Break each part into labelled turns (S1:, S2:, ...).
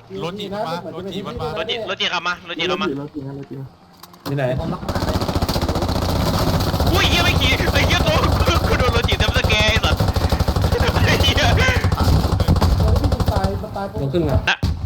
S1: รถจีบมารถจีบมันมาร
S2: ถจีขับมารถจีขับมาร
S3: ถจริงนะรถจริง
S4: ที่ไหน
S2: อุ้ยเฮียไม่ขี่ไอ้เฮียตัวกูโดนรถจีเต็มสเกย์ไอ้สัสไอ้เฮีย
S4: ลงขึ้นไง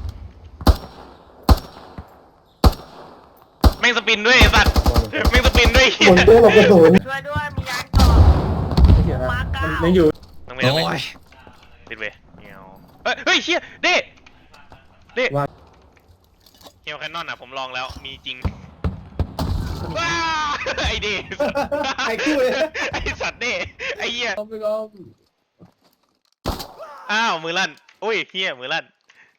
S2: แม่งสปินด้วยไอ้สัสแม่งสปินด้วยเฮีย
S3: หมุนตัวหลบกระสุน
S5: ช่วยด้วยมียางต่อมาเก้า
S4: ยังอยู่
S2: ต้องไปปิดเว้ยเงี้ยวเฮ้ยเฮียเด้เฮียแคนนอนอ่ะผมลองแล้วมีจริงว้าไอเด้
S4: ไอ้คู่เลย
S2: ไอสัตว์เด้ไอเหี้ย
S4: เอาไปลอง
S2: อ้าวมือลั่นอุ้ยเฮียมือลั่น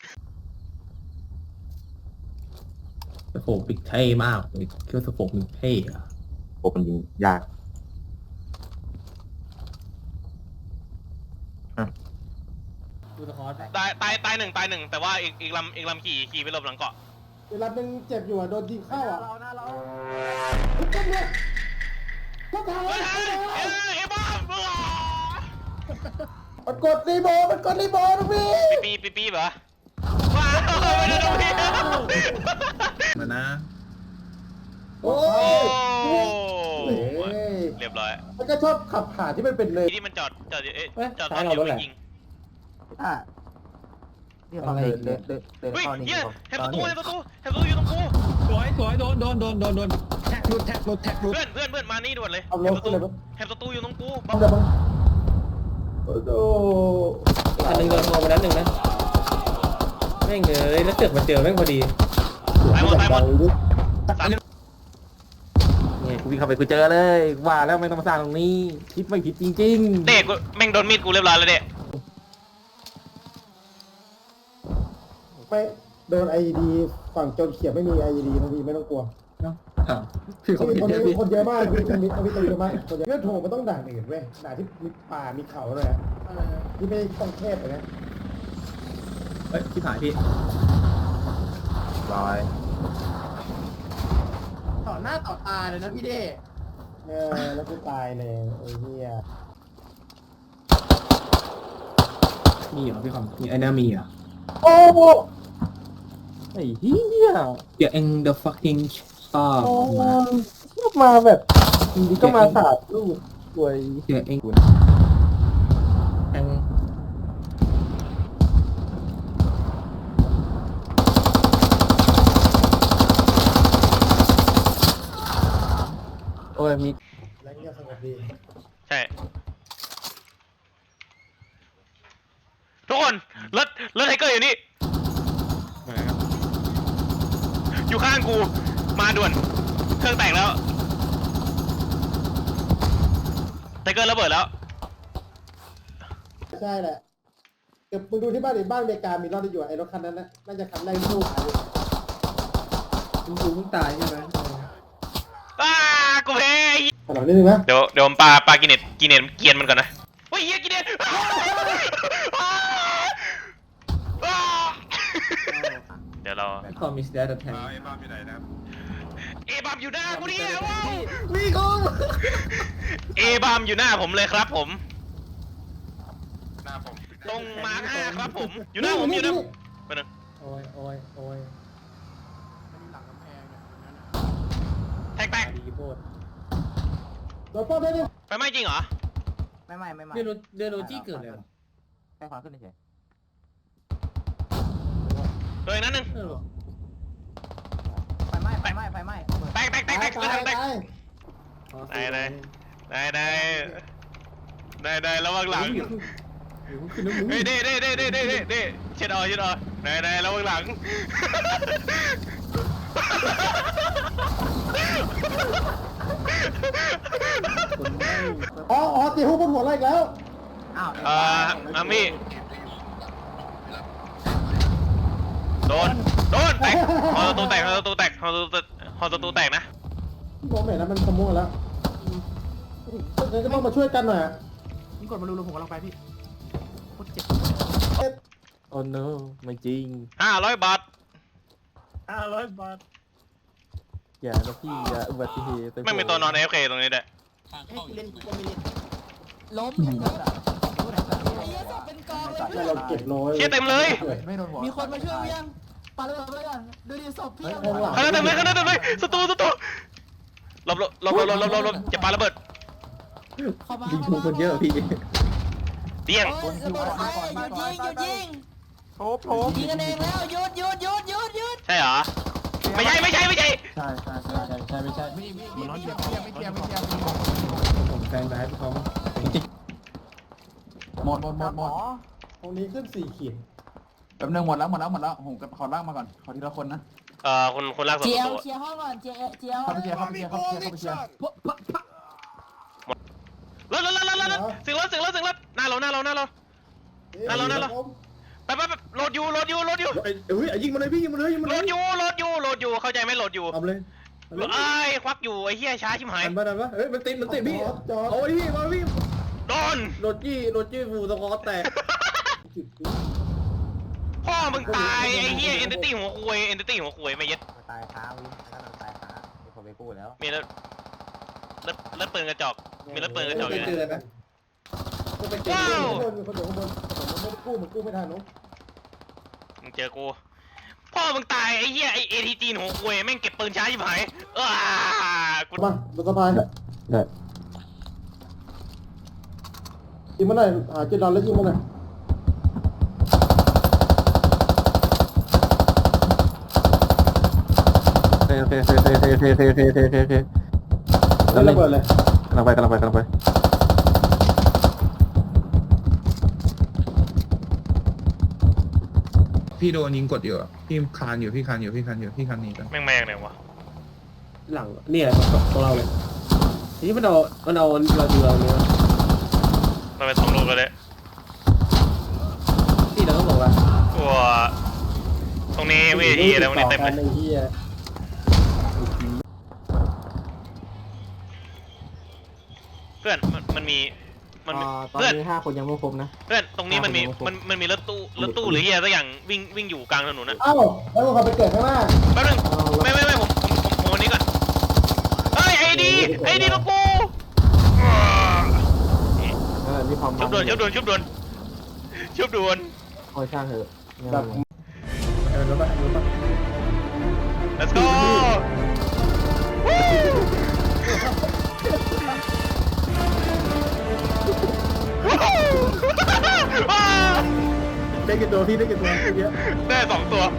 S4: สโคปปิกเท่มากเลยคิดว่าสโคปมันเท่อะ
S3: โอ้มันยิงยาก
S4: ดูสะคอร์
S2: ตายหนึ่งแต่ว่าอีกลำขี่ไปหลบหลังเกาะ
S6: เวลาเป็นเจ็บอยู่อ่ะโดนยิงเข้าอ่ะ
S5: หน้าเรา
S6: ก็เนี่ยก็ทำ
S2: เอ้บ้า
S6: มันกดรีโมทมันกดรีโมทนะพี่
S2: ปีเหรอว้าวไม่ได้ดูพี่
S4: มานะ
S6: โอ้
S2: โอ้
S6: ย
S2: เรียบร้อย
S6: มันก็ชอบขับผ่านที่มันเป็นเลย
S2: ที่มันจอดตอนเดียวไม่ยิง
S3: เดี๋ยวเดิน
S2: เฮ้ยเฮียแฮมประตูอยู่ตรงกู
S4: สวยโดนแท็กรุด
S2: เพื่อนมานี่ด่วนเลย
S6: เอา
S2: แฮ
S6: ล
S2: ม
S6: ง
S2: ประ
S6: ขึ้
S2: ตู
S6: นเลยมั้ง
S2: แฮมประตูอยู่ตรงกู
S6: เอาเดี๋ยวมั้งโอ้โห
S4: อันหนึ่งโดนมองไปนั้นหนึ่งนะแม่งเลยแล้วเสือกมาเจอแม่งพอดี
S2: ตายหมด
S3: นี่กูวิ่งเข้าไปกูเจอเลยว่าแล้วไม่ต้องมาสร้างตรงนี้คิดไม่ผิดจริง
S2: เด็กแม่งโดนมีดกูเรียบร้อยแล้วเด็ก
S6: ไม่โดนไอดีฝั่งโจนเขียบไม่มีไอดีนะพี่ไม่ต้องกลัว
S3: ๆพี่
S6: คนเยอะมากพี่มีตัวเยอะมากคนเยอะเรื่องโถมันต้องด่านอื่นเว้ยด่านที่มีป่ามีเขาเลยอ่ะที่ไม่ต้องแคบเลยนะ
S4: เฮ้ยที่ถ่ายพี่
S3: ร้อย
S6: ต่อหน้าต่อตาเลยนะพี่เด้แล้วกูตายเลยไอ้เหี้ย
S4: มีเหรอพี่คอมมีไอ้น่ามีเหรอ
S6: โอ้โห
S3: ไอ้เหี้ย
S4: เดี๋ยวเอ็ง the fucking star
S3: มาแบบดีก็มาสาดลูกสวย
S4: เดี๋ยวเอ็งแอง
S3: โอ้ยมี
S6: แล้วเงียบสงบดี
S2: ใช่ทุกคนรถไทเกอร์อยู่นี่อยู่ข้างกูมาด่วนเครื่องแตกแล้วไทเกอร์ระเบิดแล้ว
S6: ใช่แหละเดี๋ยวมึงดูที่บ้านดิบ้านอเมริกามีรถอยู่ไอ้รถคันนั้นนะน่าจะคันแรกที่ลูกหายเลย
S4: คุณครูเพิ่งตายใช่ไหม
S2: กูแพ้
S6: ขนาดนี้นึงนะ
S2: เดี๋ยวผมปากินเน็ตเกียนมันก่อนนะเฮ้ยเฮียกินเน็ตเดี๋ยวเรา
S4: คอมมิสเตอร์แทน
S1: ไอ้บ้าอยู่ไหนนะ
S2: เอบามอยู่หน้ากูเนี่ยว้าว
S3: มีกู
S2: เอบามอยู่หน้าผมเลยครับผม
S1: หน้าผม
S2: ตรงมาร์ค5ครับผมอยู่หน้าผมอยู่หน้าไปหนึ่ง
S4: โอ้ย
S2: แตก
S4: ดีโคตร
S6: รถป้อมได้ดิ
S2: ไฟไหม้จริงเหรอ
S3: ไม่
S4: เดือนโรจี้เกิดเลยเหรอ
S3: แค่ความขึ้นเฉย
S2: ตัวอีกนั้นหนึ่ง
S3: ไฟไหม้
S2: แตก
S6: ตาย
S2: แตก
S6: ตาย
S2: ได้ระวังหลังเฮ้ยเด้เช็ดออยได้ระวังหลัง
S6: อ๋อตีหูบนหัวอะไรอีกแล้ว
S3: อ้าว
S2: อามี่โดนแตกฮอตัวแตกนะ
S6: มองไม่เห็นนะมันขโมยแล้วงั้นก็ต้องมาช่วยกันหน่อย
S3: มึงกดมาดูผมกำลังไปพี่โคตรเจ็บโอ้ no ไม่จริง
S2: 500 บาท
S3: อย่านะพี่อย่าอุบัติเหตุ
S2: ไม่มีตัวนอน AFK ตรงนี้ด้วย
S5: ล้มยังไงล่ะไอ้เหี้ยศพเป็นกองเลย
S6: เราเก็บร้อย
S2: เชี่ยเต็มเลย
S3: ไม่โดนหัว
S5: มีคนมาช่วยยังปาระเบิดไปก่อนดูดิศพพี่
S6: ข้างหลัง
S2: ข้างหน้าเต็มเลยข้างหน้าเต็มเลยศัตรูหลบจะปาระเบิด
S5: เข้ามา
S4: ยิงถูกคนเยอะพี่
S2: เตี้ยง
S5: โอ้ยระเบิดไปหยุดยิง
S3: โถม
S5: ยิงกันเองแล้วหยุด
S2: ใช่เหรอไม่ใช่
S3: ใช่ไม่ใช่มันน้อยเทียบไม่เทียบ
S4: ผมแฟนร้ายเขา
S3: หมด
S6: ตรงนี้ขึ้น4 ขีด
S3: แป๊บนึงหมดแล้วผมขอล่างมาก่อนขอทีละคนนะ
S2: คนลากศั
S5: เจียว
S2: ตรู
S5: เคลียร์ห้องก่อนเจียว
S3: เข้าไปเชียร์
S2: แล้วสิงแล้วหน้าเราไปโหลดอยู่
S4: เฮ้ยยิงมาเลยพี่ยิงมาเลย
S2: โหลดอยู่เข้าใจไหมโหลดอยู่
S4: เอาเลย
S2: ไอ้ควักอยู่ไอ้เหี้ยช้าชิบหาย
S4: อันบ้านวะเฮ้ยมันติดพี่
S6: จอด
S4: โอ้ยพี่มาพี่
S2: โดน
S4: รถจี้ฟูสกอตแตก
S2: พ่อมึงตายไอ้เหี้ยเอนติตี้หัวคุยไม่เย็ด
S7: ตายขาวิถ้าเราตายขาเดี๋ยวผมไปกู้แล้ว
S2: มีรถปืนกระจอกมีรถปืนกระจอกอยู่
S4: เจ
S2: นะ
S4: อนะ
S6: ก็ไปเก็บคนเดียวข้างบนผมไม่กู้มันกู้ไม่ทันน้อง
S2: มึงเจอกูพ่อมึงตายไอ้เหี้ยไอ้เอทีจีนหัวคุยแม่งเก็บปืนช้าชิบหายกู
S6: มาบนสะพานได้ยิงมาหน่อยหาจุดนอนแล้วยิงมาหน่อย
S4: โอเค
S6: แล้วระเบิดเลย
S4: กำลังไป
S8: พี่โดนยิงกดอยู่อะพี่คานอยู่พี่คานหนีกัน
S2: แม่งไหนวะ
S4: หลังเนี่ยของเราเลยนี่มันเอาเราดูเราเนี่ย
S2: มันเป็น2 ลูกก็ได้
S4: ที่เราต้องบอกว่า
S2: ตัวตรงนี้เวทีอะไรตรงนี้เต็มเลย
S6: ไอ้เหี้ย
S2: เพื่อนมันมี
S3: ตอน
S2: เพื่อน
S3: นี้5 คนยังไม่ครบนะ
S2: เพื่อนตรงนี้มันมีรถตู้หรือเหี้ยสักอย่างวิ่งอยู่กลางถนนนะ
S6: เอ้าแล้วมึงขับไปเกิดข้างหน้า
S2: แป๊บนึงไม่ผมวันนี้ก่อนเฮ้ยไอ้ดีตัวกู
S3: นี่พร้อม
S2: ชุบด่วน
S3: โอ้ยช่างเถอะ
S6: แบบ
S4: รถปะ
S2: let's go
S4: ได้กี่ตัวพี่ได้กี่ตัวเยอะ
S2: ได้2 ตัว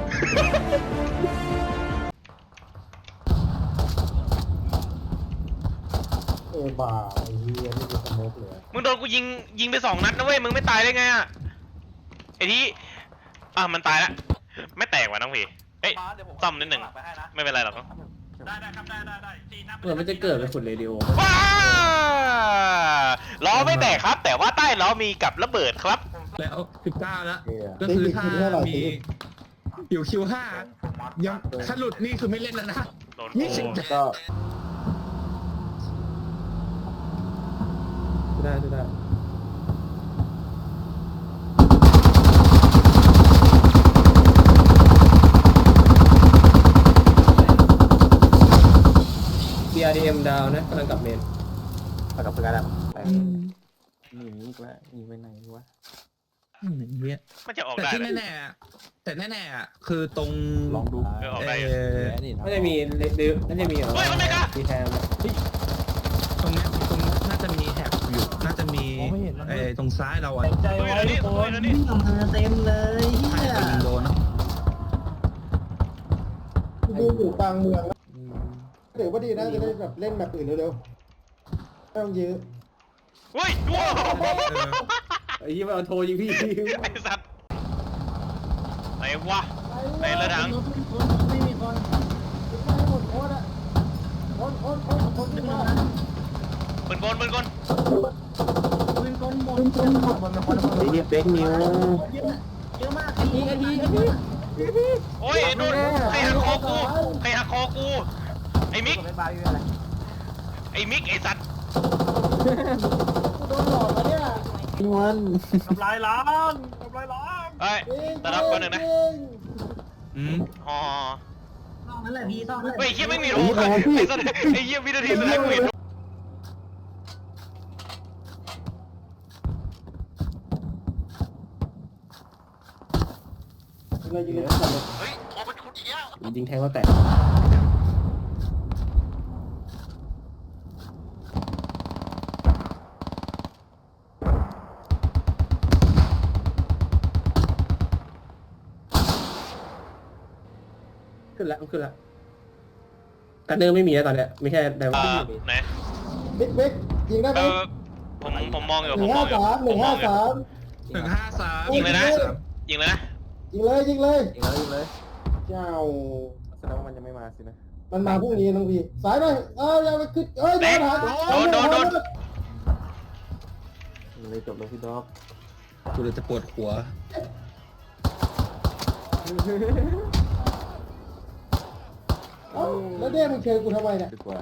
S6: บ่าไอ้เหี้ยนี่คือสโมกเลย
S2: มึงโดนกูยิงไป2 นัดนะเว้ยมึงไม่ตายได้ไงอะไอ้ที่มันตายละไม่แตกว่ะน้องพี่เอ้ยซ่อมนิดหนึ่งไม่เป็นไรหรอก
S4: เหมือนมันจะเกิดเป็นฝุ่นเรดิโอ
S2: ว้าล้อไม่แตกครับ แต่ว่าใต้ล้อมีกับระเบิดครับ
S8: แล้ว19แล้วก็คือถ้ามีอยู่คิว5ยังถ้าหลุดนี่คือไม่เล่นแล้วนะ
S2: โดน
S8: นี่สิ
S3: ก็
S4: ได้ BRDM ดาวนะกำลังกลับเมน
S3: กับเพื่อนแล้ว
S7: หนีอีกแล้วหนีไปไหนวะ
S8: อย่างเงี้ย
S2: มันจะออก
S8: แต่
S2: ได้
S8: ที่
S2: เลย
S8: แน่ๆอะแต่แน่ๆอะคือตรง
S3: ลองดู
S2: ออกได้อยู่
S4: น่าจะมีน่าจะมีเหรอ
S2: เฮ้ยมันไม่กล้า
S4: มีแทน
S8: ตรงน่าจะมีแท็บอยู่น่าจะมีตรงซ้ายเราอ่ะ
S5: ใจไว้ทุกคน
S2: นี่
S7: วิ่งออกมาเต็มเลยเฮีย
S8: จะยิงโดนนะ
S6: ดูอยู่กลางเมืองถือว่าดีนะจะได้แบบเล่นแบบอื่นเร็วๆไม่ต้องยื้อ
S2: เฮ้ยว้าว
S4: ไอ้ยี่มันโทรยิงพี่
S2: ไอ้สัตว์ไหนวะไหนระดัง
S7: ไม่มีคน
S6: ไม่หมดโคตรอ่ะโคตรขึ้นมา
S2: ปืนกล
S7: ปืนกลหมด
S3: เรียกเบคนิว
S7: เยอะมากไอ้ที
S2: โอ้ยโดนใครหักคอกูไอ้มิก
S7: ไม่บายอยู่อะไร
S2: ไอ้มิกไอ้สัตว์
S6: โดนหลอกมาเนี่ย
S3: วัน
S2: เฮ้ยตะรับก่อนหนึ่งนะ อ๋อ
S7: ต้องนั่นแหละพี่ต้องนั่นแหละ
S2: เฮ้ยเหี้ยไม่มีโอ้ไอ้สัตว์ไอ้เหี้ยวินาทีสุดท้ายกูเห็น
S6: อะไรยิงเลย
S2: เฮ้ยโทรไป
S4: ยิงแทงเขาแตกขึ้นแล้วขึ้นแล้วกันเนอร์ไม่มีแล้วตอนเนี้ยไม่ใช่แต่ว่า
S2: ไหน
S6: บิ๊กยิงได้ไหม
S2: ผมมองอยู่
S6: ห
S2: ผ
S6: นึ่
S2: ม
S6: ง
S2: มอ
S6: ห้าง
S2: อยู่
S6: สามห
S2: ผ
S6: นึ่
S2: ม
S6: ง
S2: ม
S6: ห้า
S2: องอยู่
S6: สาม
S8: 153
S2: ยิงเลยนะยิงเลยนะ
S6: ยิงเลยยิงเลย
S7: ยิงเลยยิงเลย
S6: เจ้า
S7: แสดงว่ามันยังไม่มาสินะ
S6: มันมาพรุ่งนี้น้องพี่สายหน่อยอย่าไปขึ้นโดน
S7: เลยจบแล้วพี่ด็อก
S8: กูเลยจะปวดหัว
S6: แล้วเด้มึงเชิญกูทำไมเนี่ย
S7: ดีกว่า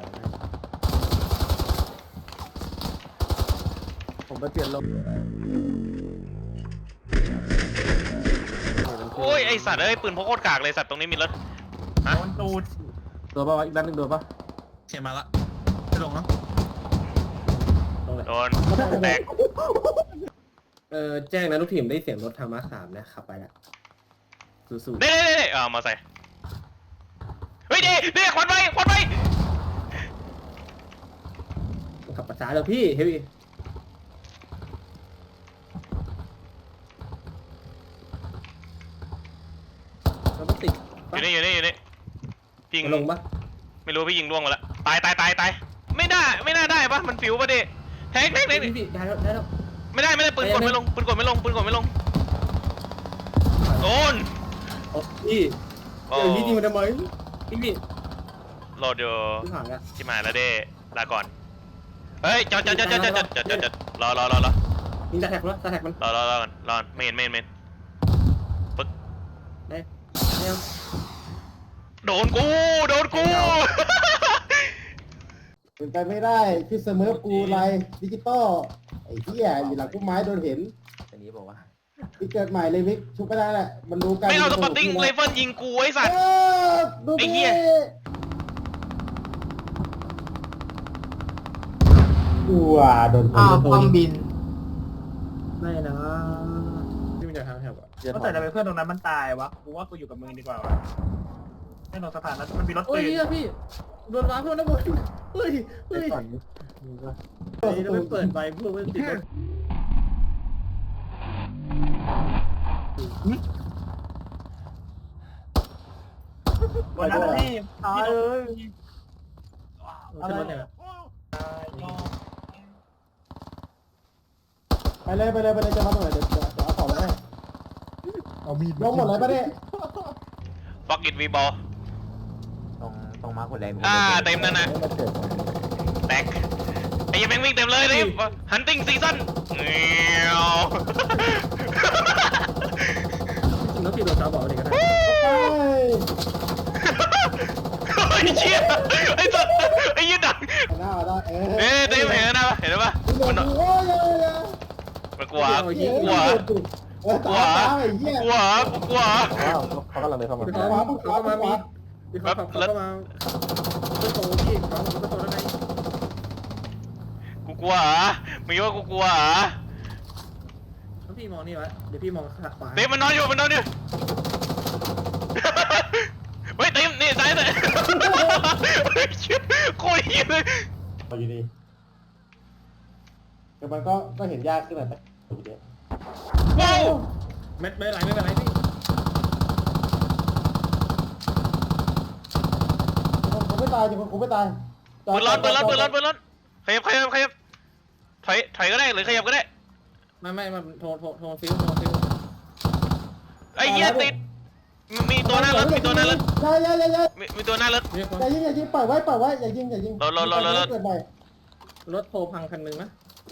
S7: ผมไปเปลี่ยนลม
S2: โอ้ยไอสัตว์เอ้ยปืนพกโคตรกากเลยสัตว์ตรงนี้มีรถฮะ
S7: โดนป่าวอีกด้านนึงโดนป่ะ
S8: เขียนมาละจะลงเนาะ
S2: โดนแตก
S4: แจ้งนะลูกทีมได้เสียงรถทางมา3นะขับไปละสู้
S2: เด้มาใส่เฮ้ยเด้ควันไฟ
S4: ๆขับประช้าเลยพี่เฮ้ยเราต้องติด
S2: อยู่นี่ยิง
S4: ลงปะ
S2: ไม่รู้พี่ยิงล่วงมาแล้วตายไม่น่าได้ปะมันฟิวปะดิแทง
S4: พี่ได้แล้ว
S2: ไม่ได้ปืนกดไม่ลงโดน
S4: โอ้พี่เดี๋ยวนี้จริงมันทำไมพี่
S2: โหลดอยู่
S4: พี่ผ่านละ
S2: ที่มาแล้วเด้ลาก่อนเฮ้ยจอดรอ
S4: ยิงตาแท็กแล้วตาแท็กมัน
S2: รอก่อนรอเมนปึ๊ก
S4: ได้ยัง
S2: โดนกู
S6: เป็นไปไม่ได้พี่เสมอกูไลดิจิตอลไอ้เหี้ยอยู่หลังพุ่มไม้โดนเห็น
S7: อันนี้บอกว่า
S6: พี่เกิดใหม่เลยมิกชุบไม่ได้แหละมันรู้กัน
S2: ไม่เอาสปอตติ้งไรเฟิลยิงกูไอ้สัตว์
S6: ดู
S2: ไอ้
S6: ดิ
S2: เหี้ย
S6: ว้าโดน
S3: ความบิน
S4: ไม่นะพี่มีแต่ทางแถบอ่ะ
S7: เจ็ด
S3: ก็แต่ทำไมเพื่อนตรงนั้นมันตายวะกูว่ากูอยู่กับมึงดีกว่าวะแน่นอนสถานะมันมีรถ
S4: โอ้
S3: ปื
S4: ย
S3: น
S4: พี่โดนว้าเพื่อนนะบนเฮ้ย
S7: ก่อนนี่ก็
S4: นี่เราไปเปิดไฟเพื่อติดรถ
S3: วันนั้นที่ตายเลย
S4: อะไรเนี่ย
S6: ไปเลยจะมาตรงไหนเดี๋ยวเอาของมาให้
S8: เอามีด
S6: ลงหมดเลยปะเนี่ย
S2: ฟักอิทวีบอล
S7: ต้องมาคนแรง
S2: เต็มนั่นนะแตกไอ้ยังแม่งวิ่งเต็มเลยนี่ฮันติงซีซั่นเงี้ยว
S4: จริงแล้วพี่โดนตาบอดเลยก็ได้
S6: ไป
S2: ไอ้เชี่ยไอ้สัตว์ไอ้ยี่ดัง
S6: หน้าได้
S2: เต็มเห็นนะเห็นปะ
S6: โอ้ย
S2: มันกลัว
S6: ตาไอ้เหี้ย
S7: ว้าวเขากำลังเดินเข้ามา
S4: เขามามีเขามาประตูพี่เขาประตูแล้วไง
S2: กูกลัวมึงว่ากูกลัว
S4: แล้วพี่มองนี่วะเดี๋ยวพี่มองขวา
S2: เต็มมันนอนอยู่เฮ้ยเต็มนี่ซ้ายเลยโคตรเหี้ยเลย
S6: พออยู่ดีแต่มันก็เห็นยากขึ้นหน่อยไหม
S2: ว้าว
S4: ไม่เป็นไรพี่
S6: ผมไม่ตายผมไม่ตาย
S2: ปืนร้อนขยับถอยก็ได้หรือขยับก็ได้
S4: ไม่มันโทรฟิว
S2: ไอ้เหี้ยติดมีตัวหน้ารถมีตัวหน้ารถ
S6: อย่า
S2: มีตัวหน้ารถ
S4: มีคน
S6: อย่ายิงปล่อยไว้อย่ายิงเกิดใหม่
S4: รถโทรพังคันนึงนะ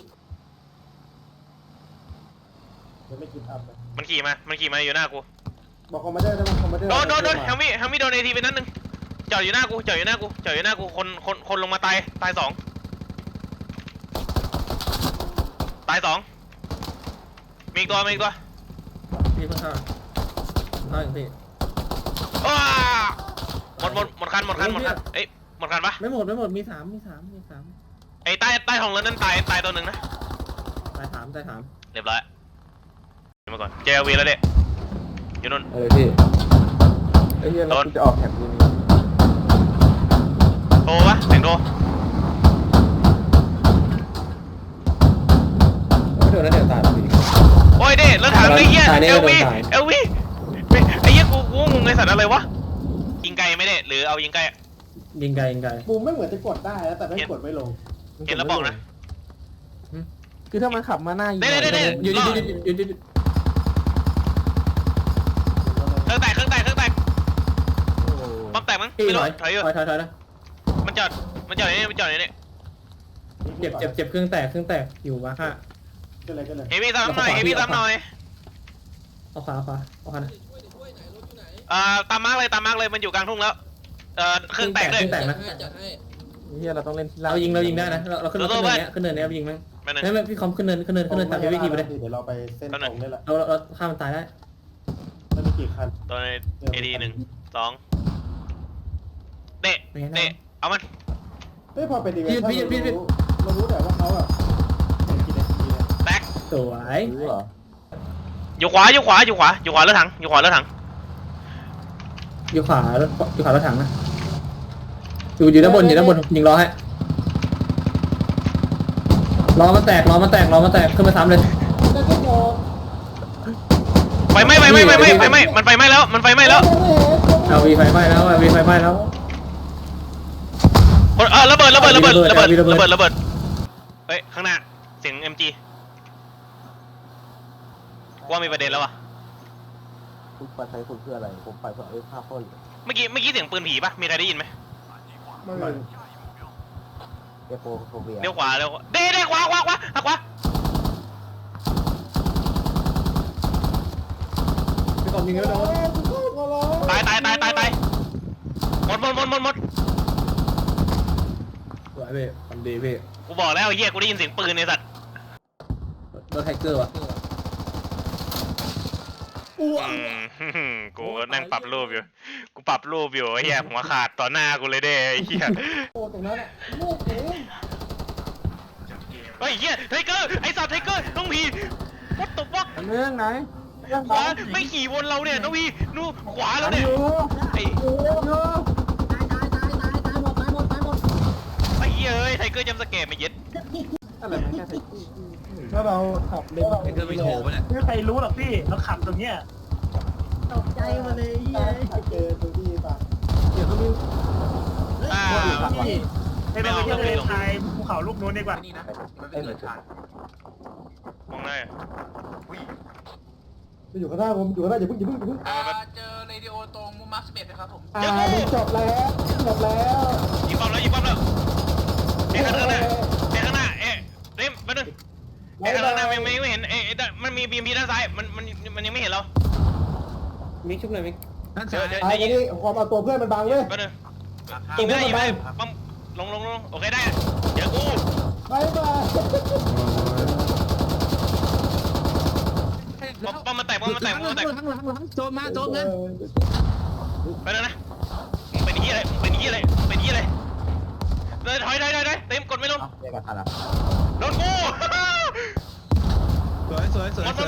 S6: เดี๋ยวไม่กินอัพเลย
S2: มันขี่มาอยู่หน้ากู
S6: บอกคอมมานเดอร์ได้ไหมคอมมานเดอร์
S2: โดนแฮมมี่โดนเอทีไปนัดนึงจอดอยู่หน้ากูคนลงมาตาย2ตาย2มีอีกตัว
S4: พี่เพิ่งเข้าอย่างพี่
S2: อ้าหมดคันเอ้ยหมดคันปะ
S4: ไม่หมดมีสาม
S2: ไอ้ใต้ห้องรถนั้นตายตัวหนึ่งนะ
S4: ตายถาม
S2: เรียบร้อยมาก่อนเจลวีแล้วเด็กอยู่นู่น
S7: เออพี่ไอ้เหี้ยเราจะออกแถบนี้
S2: โทรปะเสียงโทร
S4: ไม่โดนแล้วเดี๋ยวตายพี่
S2: โอ้ยเด้รถถังไอ้เหี้ย
S4: ตายแน่
S2: เอลวี
S4: โดนตาย
S2: เอลวีไอ้เหี้ยกูงงไอ้สัตว์อะไรวะยิงไกลไหมเด้หรือเอายิงไกล
S4: ยิงไกลยิงไกล
S6: มุมไม่เหมือนจะกดได้นะแต่ไม่กดไม่ลง
S2: เห็นแล้วบอกนะ
S7: คือถ้ามันขับมาหน้ายิง
S2: เด้
S4: หยุดหยุดหยุดหยุดหยุดหยุด
S2: เครื่องแตกปั๊มแตกมั้ง
S4: พี่
S2: ไม่
S4: ถ
S2: รู้
S4: อย
S2: ถอยอยู่
S4: ถอยนะ
S2: มันจอดในนี่
S4: เจ็บเครื่องแตกอยู่มาค่ะ
S6: ก็เลย
S2: เฮฟวี่ซ้ำหน่อยเฮฟวี่ซ้ำหน่อย
S4: เอาขวานะ
S2: ตามมาร์กเลยมันอยู่กลางทุ่งแล้วเครื่องแตกด้วย
S4: เครื่องแตกนะ
S7: เหี้ยเราต้องเล่นที่ล่าง
S4: เรายิงได้นะเราขึ้นเนินเนี้ยยิงมั้ง
S2: ไม่นึง
S4: ไม่พี่คอมขึ้นเนินตามวิธีไปเลย
S6: เดี๋ยวเราไปเส้นตรงนี่แหละ
S4: เราฆ่ามันตายได้
S6: ไม่มีกี่คัน
S2: ตัวในเอดี1 2เตะเอามัน
S6: ไม่พอเป็นอีเวนต์เรารู้แต่ว่าเขาอ่ะเป็นกี่นาทีเนี่ย
S2: แตก
S4: สวย
S7: รู้เหรอ
S2: อยู่ขวารถถัง
S4: อยู่ขวารถถังนะอยู่ด้านบนยิงล้อให้ล้อมันแตกขึ้นมาซ้ำเลย
S2: ไฟไหม้มันไฟไหม้แล้ว
S4: เอาวีไฟไหม้แล้ว
S2: ระเบิดเฮ้ยข้างหน้าเสียง MG ว่ามีประเด็นแล้ววะ
S7: คุณไปใช้คุณเพื่ออะไรผมไปเพื่อฆ่าคน
S2: เมื่อกี้เสียงปืนผีปะมีใครได้ยินไหม
S6: ไม่
S7: เอโฟเวีย
S2: เลี้ยวขวาเด้ขวาหักขวา
S4: พี่คอมยิงแล้วโดน
S2: ตายหมด
S4: สวยพี่ทำดีพี่
S2: กูบอกแล้วเฮียกูได้ยินเสียงปืนในสัตว์
S4: โดนไทเกอร์ว่ะ
S2: กูนั่งปรับรูปอยู่ไอ้เฮียหัวขาดต่อหน้ากูเลยเด้ไอ้เฮีย
S6: โอ้ตรงนั้นอ่ะลูกเอง
S2: เฮ้ยเฮียไทเกอร์ไอ้สัตว์ไทเกอร์น้องพีวัดตบวัก
S7: เรื่องไหน
S2: ขวาไม่ขี่วนเราเนี่ยน้องพีนู่นขวาแล้วเนี่ยไอ้เฮียเอ้ยไทเกอร์จำสแกมไม่เย็ด
S7: อะไรมันแค่
S6: ถ้าเราขับเร็ว
S8: เกิดไปโถปะเนี่ย
S3: ไม่มีใครรู้หรอกพี่เราขับตรงเนี้ย
S5: ตกใจมาเลยเย้ย
S6: เจอตรงที่ป่ะ
S7: เดี๋ยวก็มี
S2: อ่า
S3: พี่ไปเราไปเที่ยวทะเลทรายภูเขาลูกนู้นดีกว่า
S7: ไอ้เหนือ
S2: มองได้
S6: อยู่ข้างหน้าผมอยู่ข้างหน้าอย่าเพิ่ง
S9: เจอเรดิโอตรงมุมมาร์ค11นะครับผม
S6: จบแล้ว
S2: ยิงบอลแล้วเอ๊ะข้างหน้าเอ๊ะเร็มมาหนึ่งเอ๊ะข้างหน้าไม่เห็นเอ๊ะมันมีบีมพีด้านซ้ายมันยังไม่เห็นเรา
S4: มิกชุบเลยมิก
S8: ด้านซ้าย
S6: ไอ้นี่ความเอาตัวเพื่อนมันบังเว้ย
S2: มาหนึ่งยิงไม่ได้ปั๊มลงโอเคได้เดี๋ยวกู
S6: บายบาย
S2: ปั๊มมาแตก
S8: ข้างหลังโจมนะ
S2: ไปเลยนะเป็นยี่อะไรเลยถอยได้เต็มกดไม่ลง
S7: เรียกกันทันอ่ะ
S2: โดนกู
S8: สวย
S2: ห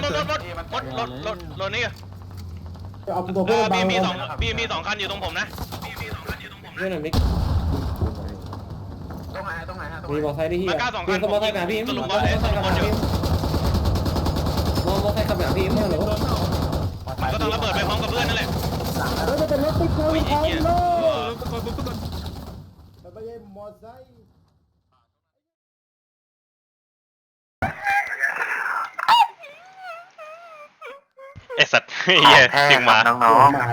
S2: มดนี่
S6: เอาตัวเพื่อนบัง
S2: มีสองคันอยู่ตรงผมนะ
S4: เรื่องหน่อยมิก
S9: ตรงไหนฮะ
S4: มีมอไซค์ที่เฮีย
S2: มาก้า2คัน
S4: มอไซค์กับพี่
S2: สรุป
S4: ม
S2: ว่า
S4: อไซค์กับพี่มอไซค์กับพี่ไม่เหรอ
S2: มันก็ต้องระเบิดไปพร้อมกับเพื่อนนั่นแหละ
S6: แล้วจะเป็นรถติ๊กเกอร์
S2: อุ้ยไอ้เหี้ย
S6: แต่ไม่ใช่มอไซค์
S2: ไอสัตว์เหี้ยเสียงหมา
S6: น้อง